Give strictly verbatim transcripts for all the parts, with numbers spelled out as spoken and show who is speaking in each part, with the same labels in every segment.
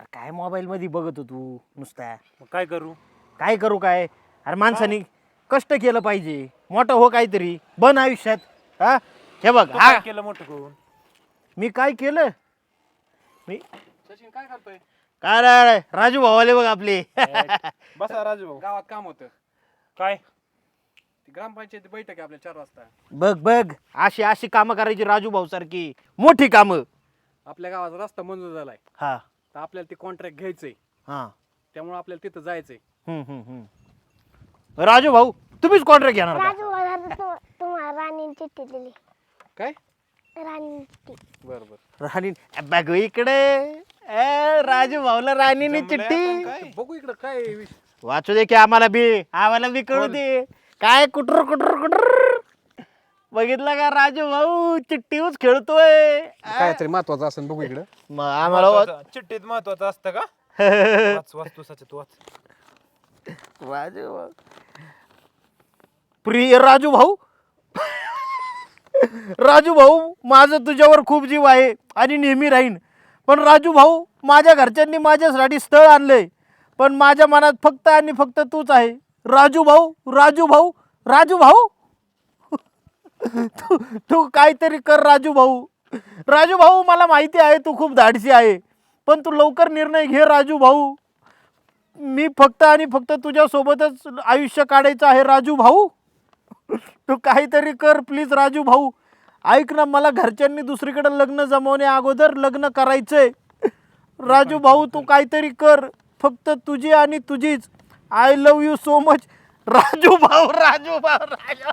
Speaker 1: अरे काय मोबाईल मध्ये बघत हो तू नुसता.
Speaker 2: मग काय करू?
Speaker 1: काय करू काय? अरे माणसाने कष्ट केलं पाहिजे, मोठं हो काहीतरी बन आयुष्यात. हा हे बघ,
Speaker 2: तू
Speaker 1: हा
Speaker 2: काय केलं मोठं करून?
Speaker 1: मी काय केलं? मी
Speaker 3: सचिन काय करतोय?
Speaker 1: काय रे राजू भाऊ आले बघ आपले.
Speaker 3: बसा राजू भाऊ, गावात काम होतं.
Speaker 2: काय
Speaker 3: ती ग्रामपंचायत बैठक आहे आपल्या चार वाजता.
Speaker 1: बघ बघ अशी अशी कामं करायची राजू भाऊ सारखी मोठी कामं.
Speaker 3: आपल्या गावाचा रस्ता मंजूर झालाय,
Speaker 1: हा
Speaker 3: तर आपल्याला ते कॉन्ट्रॅक्ट घ्यायचंय.
Speaker 1: हा
Speaker 3: त्यामुळे आपल्याला तिथं जायचंय.
Speaker 1: हम्म हम्म हम्म राजू भाऊ तुम्हीच कॉन्ट्रॅक्ट घेणार का?
Speaker 4: राजू मला तु- तुम्हाला राणीने चिठ्ठी दिली.
Speaker 3: काय?
Speaker 4: राणीने चिठ्ठी.
Speaker 3: बर बर
Speaker 1: राणी बघ इकडे. ए, राजू भाऊला राणीने
Speaker 2: जमलंय
Speaker 1: चिठ्ठी
Speaker 2: आपण काय?
Speaker 3: बघू इकडं काय विष-
Speaker 1: वाचू दे की आम्हाला बी, आम्हाला बी कळू दे काय कुटर कुटर कुटर. बघितलं का राजू भाऊ चिठ्ठीच खेळतोय.
Speaker 3: काय तरी महत्वाचं असेल बघू इकडं.
Speaker 1: मग आम्हाला वा-
Speaker 2: महत्वाचं- चिठ्ठीत महत्वाचं असतं का? वाच वाच तू सचित वाच.
Speaker 1: राजू भाऊ प्रिय राजू भाऊ. राजू भाऊ माझं तुझ्यावर खूप जीव आहे आणि नेहमी राहीन. पण राजू भाऊ माझ्या घरच्यांनी माझ्यासाठी स्थळ आणलंय, पण माझ्या मनात फक्त आणि फक्त तूच आहे. राजू भाऊ राजू भाऊ राजू भाऊ. तू तू काहीतरी कर राजू भाऊ. राजू भाऊ मला माहिती आहे तू खूप धाडसी आहे, पण तू लवकर निर्णय घे राजू भाऊ. मी फक्त आणि फक्त तुझ्या सोबतच आयुष्य काढायचं आहे राजू भाऊ. तू काहीतरी कर प्लीज राजू भाऊ. ऐक ना, मला घरच्यांनी दुसरीकडे लग्न जमवण्या अगोदर लग्न करायचंय. राजू भाऊ तू काहीतरी कर, फक्त तुझी आणि तुझीच. I love you so much Raju भाऊ. राजू भाऊ राजू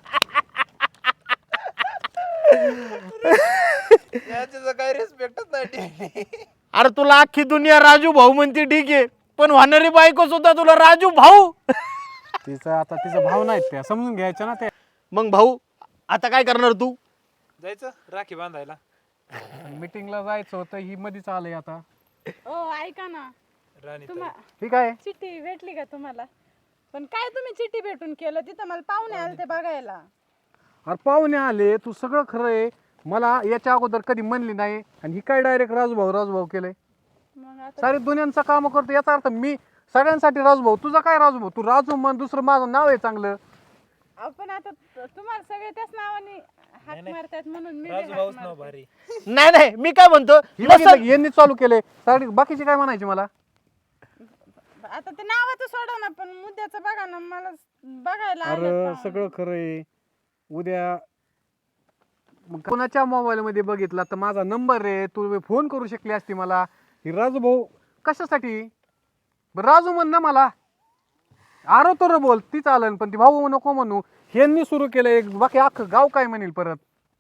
Speaker 2: याचं काय रिस्पेक्टच नाही.
Speaker 1: अरे तुला अख्खी दुनिया राजू भाऊ म्हणते ठीक आहे, पण होणारी बायको सुद्धा तुला राजू भाऊ.
Speaker 3: तिचं आता तिचा भाव नाहीत त्या, समजून घ्यायचं ना ते.
Speaker 1: मग भाऊ आता काय करणार तू?
Speaker 2: जायचं राखी बांधायला.
Speaker 3: मीटिंगला जायचं होतं, ही मध्येच आलंय आता.
Speaker 5: ओ ऐका ना,
Speaker 2: राणी
Speaker 5: तुम्हा
Speaker 3: ठीक आहे.
Speaker 5: चिठ्ठी भेटली का तुम्हाला? पण काय तुम्ही चिठ्ठी भेटून केलं? तिथं मला पाहुणे आले ते बघायला.
Speaker 3: अरे पाहुणे आले, तू सगळं खरं आहे. मला याच्या अगोदर कधी म्हणली नाही, आणि ही काय डायरेक्ट राजूभाऊ राजूभाऊ केलंय.
Speaker 5: मग आता
Speaker 3: सारे दुनियांचं काम करतो, याचा अर्थ मी सगळ्यांसाठी राजूभाऊ. तुझा काय राजूभाऊ? तू राजू म्हण, दुसरं माझं नाव आहे चांगलं.
Speaker 5: आपण आता त- तुम्हाला सगळे त्याच नावाने हाक मारतात म्हणून मी बी
Speaker 2: राजू
Speaker 5: हाक
Speaker 2: भाऊच नाव
Speaker 5: मारते.
Speaker 2: भारी.
Speaker 1: नाही नाही मी काय म्हणतो
Speaker 3: ही बघितलं
Speaker 1: नसल-
Speaker 3: की यांनी चालू केलंय. सारे बाकीचे काय म्हणायचे मला?
Speaker 5: आता ते नावाचं सोडा ना, पण मुद्द्याचं बघा ना. मला बघायला आलेत
Speaker 3: अरे
Speaker 5: पाहुणे.
Speaker 3: सगळं खरं आहे. उद्या मग कोणाच्या मोबाईल मध्ये बघितला तर माझा नंबर आहे, तू फोन करू शकली असती मला. ही राजू भाऊ कशासाठी? बरं राजू म्हण ना मला. आरो तर बोल ती चालन, पण ती भाऊ नको म्हणू. ह्यांनी सुरू केलं एक, बाकी अख्खं गाव काय म्हणेल परत.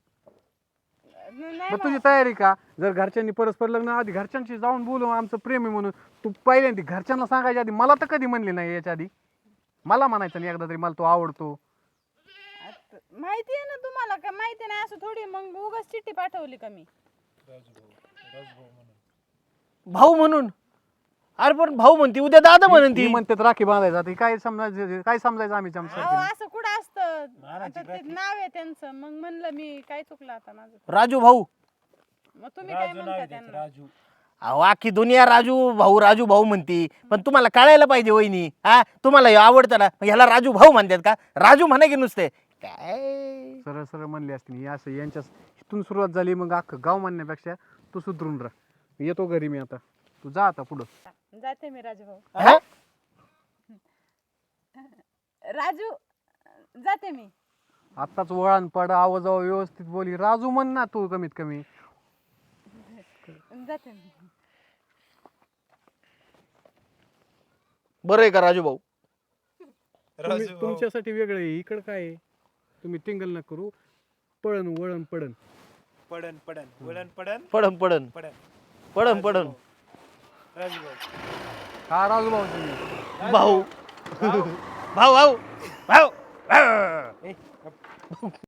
Speaker 5: नाही
Speaker 3: मग तुझी तयारी का? जर घरच्यांनी परस्पर लग्न आधी घरच्यांशी जाऊन बोलू आमचं प्रेम आहे म्हणून, तू पहिल्यांदा घरच्यांना सांगायच्या आधी मला तर कधी म्हणली नाही. याच्या आधी मला म्हणायचं नाही एकदा तरी मला तो आवडतो.
Speaker 5: आता माहिती आहे ना तुम्हाला, का माहिती नाही असं थोडी मग उगाच चिठ्ठी पाठवली का मी?
Speaker 1: भाऊ म्हणून. अरे पण भाऊ म्हणती उद्या दादा म्हणून
Speaker 3: ती
Speaker 1: ती.
Speaker 3: म्हणतात राखी बांधायचा. ती काय समजायचं? काय समजायचं आम्ही
Speaker 5: अहो
Speaker 3: चमचा?
Speaker 5: असं कुठं असतं? आता ते नाव आहे त्यांचं, मग म्हणलं मी काय चुकलं आता माझं.
Speaker 1: राजू भाऊ.
Speaker 5: मग तुम्ही काय
Speaker 2: राजू नाव
Speaker 5: म्हणता
Speaker 2: आहे त्याचं,
Speaker 5: त्यांना?
Speaker 2: राजू.
Speaker 1: अहो अख्खी दुनिया राजू भाऊ राजू भाऊ म्हणती, पण तुम्हाला कळायला पाहिजे वहिनी. हा तुम्हाला हे आवडतं ना, मग ह्याला राजू भाऊ म्हणतात का? राजू म्हणा की नुसते काय.
Speaker 3: सरळ सरळ म्हणली असती मी असं. यांच्या इथून सुरुवात झाली, मग अख्खं गाव म्हणण्यापेक्षा तू सुधरून राह. मी येतो घरी मी आता. तू जा आता पुढं.
Speaker 5: जाते मी राजू भाऊ.
Speaker 1: हा?
Speaker 5: राजू जाते मी.
Speaker 3: आत्ताच वळण पड, आवाज व्यवस्थित बोली. राजू म्हण ना तू कमीत कमी.
Speaker 5: जाते मी.
Speaker 1: बरं आहे का राजू भाऊ?
Speaker 3: तुम्ही-
Speaker 2: राजू भाऊ.
Speaker 3: तुमच्यासाठी वेगळं आहे. इकडं काय आहे? तुम्ही टिंगल न करू. पळण वळण पडन.
Speaker 2: पडन पडन वळण पडन
Speaker 1: पडन पडन
Speaker 2: पडन.
Speaker 1: पडन पडन
Speaker 2: राजू भाऊ.
Speaker 3: हा राजू भाऊ तुम्ही.
Speaker 1: भाऊ भाऊ भाऊ भाऊ भाऊ